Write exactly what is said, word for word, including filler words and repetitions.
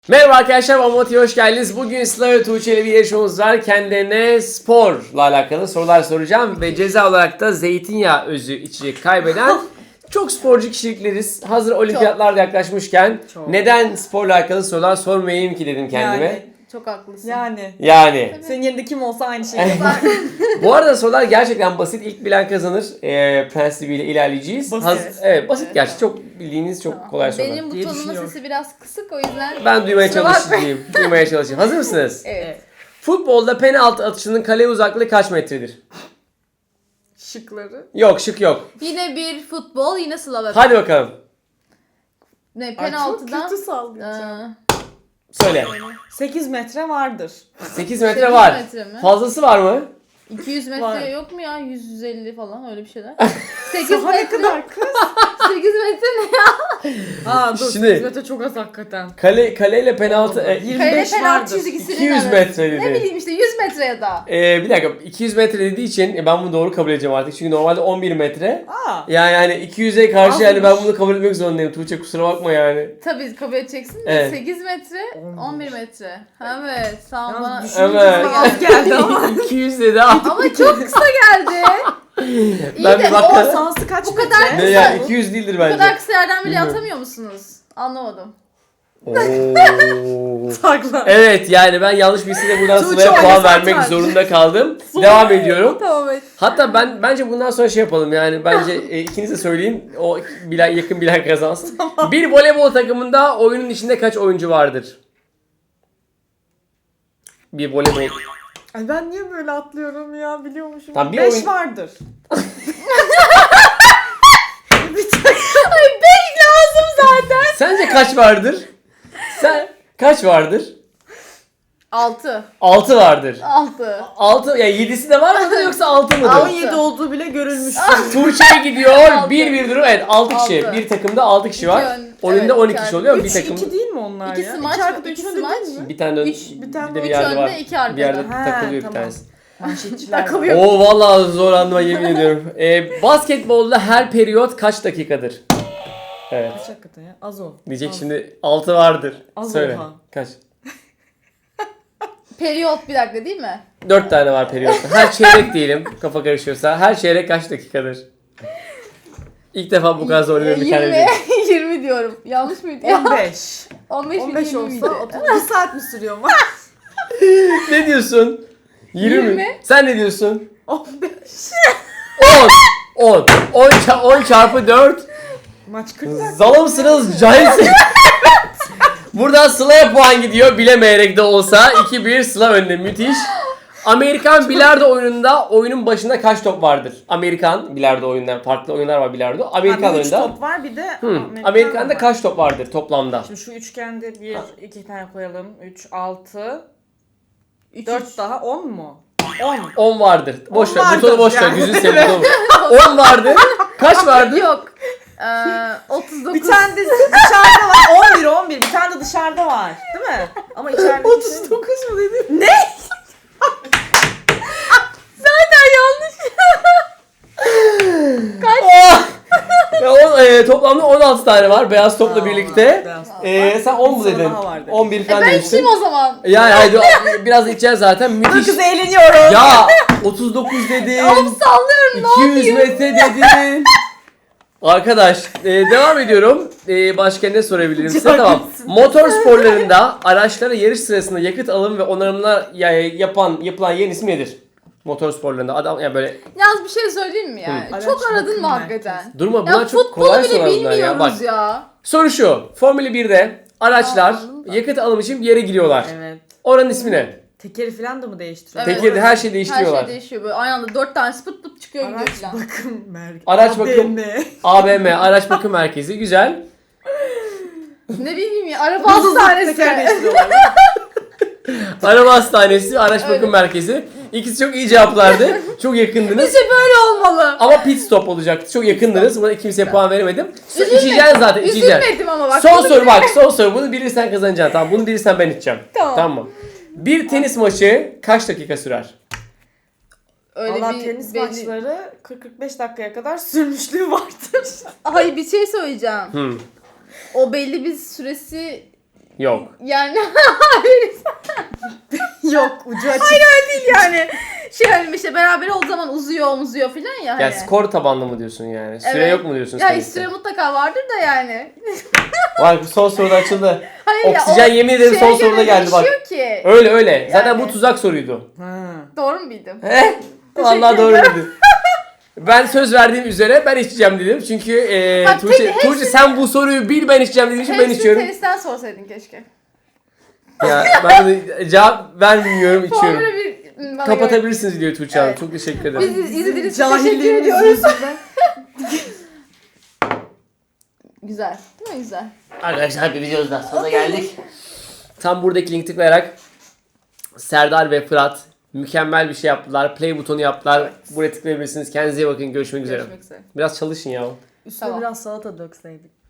Merhaba arkadaşlar, Amoti'ye hoş geldiniz. Bugün Sıla ve Tuğçe ile bir yarışmamız var. Kendilerine sporla alakalı sorular soracağım. Ve ceza olarak da zeytinyağı özü içecek kaybeden çok sporcu kişilikleriz. Hazır olimpiyatlar da yaklaşmışken Çok. neden sporla alakalı sorular sormayayım ki dedim kendime. Yani, Çok haklısın. yani. Yani. Senin yerinde kim olsa aynı şeyi yapar. Bu arada sorular gerçekten basit. İlk bilen kazanır e, prensibiyle ilerleyeceğiz. Basit. Haz- evet basit gerçi. Çok bildiğiniz çok kolay sorular. Benim diye butonumun düşünüyorum. sesi biraz kısık o yüzden. Ben duymaya Kusura bakmayın. çalışayım. duymaya çalışayım. Hazır mısınız? Evet. Futbolda penaltı atışının kale uzaklığı kaç metredir? Şıkları. Yok, şık yok. Yine bir futbol, yine Sıla ve Hadi bakalım. Ne Ay, çok penaltıdan. kötü sallayacağım. Aa, Söyle. sekiz metre vardır. sekiz metre sekiz var. metre mi? Fazlası var mı? iki yüz metre Var. yok mu ya? yüz yüz elli falan öyle bir şeyler. sekiz Saha ne metre. kadar kız? sekiz metre ne ya? Aa dur Şimdi- sekiz metre çok az hakikaten. Kale kaleyle penaltı e, yirmi Kale beş penaltı vardır. çizgisinin iki yüz arası. metre Ne dedi. bileyim işte yüz metre ya da. E, bir dakika iki yüz metre dediği için e, ben bunu doğru kabul edeceğim artık. Çünkü normalde on bir metre. Aa. Yani hani iki yüze karşı Azmış. yani ben bunu kabul etmek zorundayım. Tuğçe kusura bakma yani. Tabii kabul edeceksin de Evet. sekiz metre, on bir metre. Evet, tamam bana. Yalnız düşününce Evet. sana az geldi ama. iki yüz dedi ama. Ama çok kısa geldi. İyi Ben de bir O bak- sahası kaç Bu kadar metre? Ne ya iki yüz değildir bu bence. kadar kısa yerden bile Bilmiyorum. atamıyor musunuz? Anlamadım. Oo. Sakla. Evet yani ben yanlış birisiyle buradan Tuğçe Sıla'ya puan oynasana vermek artık. zorunda kaldım. Devam ediyorum. Tamam evet. Hatta ben bence bundan sonra şey yapalım yani bence e, ikiniz de söyleyin o bilen, yakın bilen kazansın. Bir voleybol takımında oyunun içinde kaç oyuncu vardır? Bir voleybol. Ay ben niye böyle atlıyorum ya biliyormuşum. Tamam, bir beş oyun- vardır. Ay beş lazım zaten. Sence kaç vardır? Sen kaç vardır? altı. altı vardır. altı. altı ya yedisi de var mıdır yoksa altı on mıdır? yedi olduğu bile görülmüş. Tuğçe'ye gidiyor. Altı. bir bir durum. Evet altı kişi. Altı. Bir takımda altı kişi var. İki ön- Oyunda evet, on iki iki kişi artı oluyor. Bir üç takım iki değil mi onlar İki ya? smaç, İki artı iki üç önde smaç. değil mi? bir tane de Üç- bir tane de bir üç yerde önde, var. iki arkada. Bir yerde Ha, takılıyor bir tamam. tanesi. Manşetçiler. Takılıyor. Oo vallahi zorlandım yemin ediyorum. Ee, basketbolda her periyot kaç dakikadır? Evet. Kaç hakikaten ya? Az o. Diyecek Az. şimdi altı vardır. Az Söyle. oha. Kaç? Periyot bir dakika değil mi? dört tane var periyotta. Her çeyrek diyelim kafa karışıyorsa. Her çeyrek kaç dakikadır? İlk defa bu kadar zorluyorum bir tane yirmi. değil. yirmi diyorum. Yanlış mıydı ya? on beş. on beş, on beş yirmi olsa miydi? otuz bir saat mi sürüyor mu? Ne diyorsun? yirmi mi? yirmi. Sen ne diyorsun? on beş. on. on. on, ça- on çarpı dört. Maç kırk dakika. Zalımsınız, cahilsiniz. Buradan Sıla'ya puan gidiyor. Bilemeyerek de olsa. iki bir Sıla önde. Müthiş. Amerikan bilardo oyununda oyunun başında kaç top vardır? Amerikan bilardo oyunlar, farklı oyunlar var bilardo. Amerikan Abi, üç oyunda. top var bir de Hı. Amerikan Amerika'da var. kaç top vardır toplamda? Şimdi şu üçgende bir, iki tane koyalım. üç, altı, Üç, dört üç. daha on mu? on. on vardır. Boş on ver. vardır Butonu boş ver. yani. Gözünü seveyim. butonu. on vardır. Kaç vardır? Yok. Ee, otuz dokuz. Bir tane de dışarıda var. on bir, on bir. Bir tane de dışarıda var. Değil mi? Ama içeride otuz dokuz mu dedin? Ne? Zaten yanlış. Oh! Ya on, e, toplamda on altı tane var beyaz topla Aa, birlikte. beyaz top E, var. sen on mu Bir soru dedin? daha var dedin. on bir E falan ben demiştin. içeyim o zaman. Yani haydi biraz içeceğiz zaten. Dur Müthiş. kız eğleniyoruz. Ya otuz dokuz dedin. Oğlum sallıyorum ne iki yüz yapayım? metre dedin. Arkadaş e, devam ediyorum. E, başka ne sorabilirim size? Çok Tamam. iyisin. Motor sporlarında araçlara yarış sırasında yakıt alım ve onarımlar ya- yapan yapılan yerin ismi nedir? Motor sporlarında adam yani böyle Yalnız bir şey söyleyeyim mi yani? Hı. Çok Araç aradın mı bakım hakikaten? durma Ya bunlar çok futbolu kolay bile sorular bunlar ya. Bak bilmiyoruz ya. soru şu. Formula birde araçlar Anladım da. yakıt alım için bir yere giriyorlar. Evet. Oranın ismi ne? Tekeri falan da mı değiştiriyor? Evet. Tekirde her şeyi Her değiştiriyorlar. şey değişiyor böyle aynı anda dört tane pıt pıt çıkıyor gidiyor Araç falan. bakım merkezi. Araç bakım- A B M. A B M araç bakım merkezi güzel. Ne bileyim ya araba hastanesi. Teker değiştiriyorlar. Araba hastanesi, araç bakım Evet. merkezi. İkisi çok iyi cevaplardı. Çok yakındınız. Bizce böyle olmalı. Ama pit stop olacaktı. Çok yakındınız. Buna kimseye puan veremedim. So, Üzülmedim. içeceksin zaten, içeceksin. Üzülmedim ama bak. Son bunu soru bile- bak, son soru. Bunu bilirsen kazanacaksın. Tamam, bunu bilirsen ben içeceğim. Tamam. Tamam mı? Bir tenis maçı kaç dakika sürer? Öyle Valla bir tenis belli- maçları kırk kırk beş dakikaya kadar sürmüşlüğü vardır. Hayır bir şey söyleyeceğim. Hmm. O belli bir süresi Yok. Yani hayır. Yok ucu açık. Hayır öyle değil yani. Şey hani işte beraber olduğu zaman uzuyor uzuyor filan ya hani. Yani skor tabanlı mı diyorsun yani? Süre Evet. yok mu diyorsun Ya teniste? süre mutlaka vardır da yani. Vay bu son soruda açıldı. Hayır ya, Oksijen o yemin ederim şeye son göre soruda geldi bak. değişiyor ki. Öyle öyle. Zaten Yani. bu tuzak soruydu. Ha. Doğru mu bildim? He? Vallahi doğru bildin. Ben söz verdiğim üzere ben içeceğim dedim. Çünkü e, Bak, Tuğçe, tek- Tuğçe sen bu soruyu bil ben içeceğim dediğin için ben Hepsini içiyorum. tenisten sorsaydın keşke. Ya ben de cevap vermiyorum içiyorum. Formula bir bana göre. Kapatabilirsiniz diyor Tuğçe Hanım. Evet. Çok teşekkür ederim. Biz izlediğiniz için teşekkür Cahilliğimiz ediyoruz. yüzünden. Güzel. Değil mi güzel? Arkadaşlar bir videonun daha sonuna geldik. Tam buradaki linki tıklayarak Serdar ve Fırat mükemmel bir şey yaptılar. Play butonu yaptılar. Buraya tıklayabilirsiniz. Kendinize iyi bakın. Görüşmek üzere. Görüşmek üzere. Biraz çalışın ya. Üstüne Tamam. biraz salata dökseydik.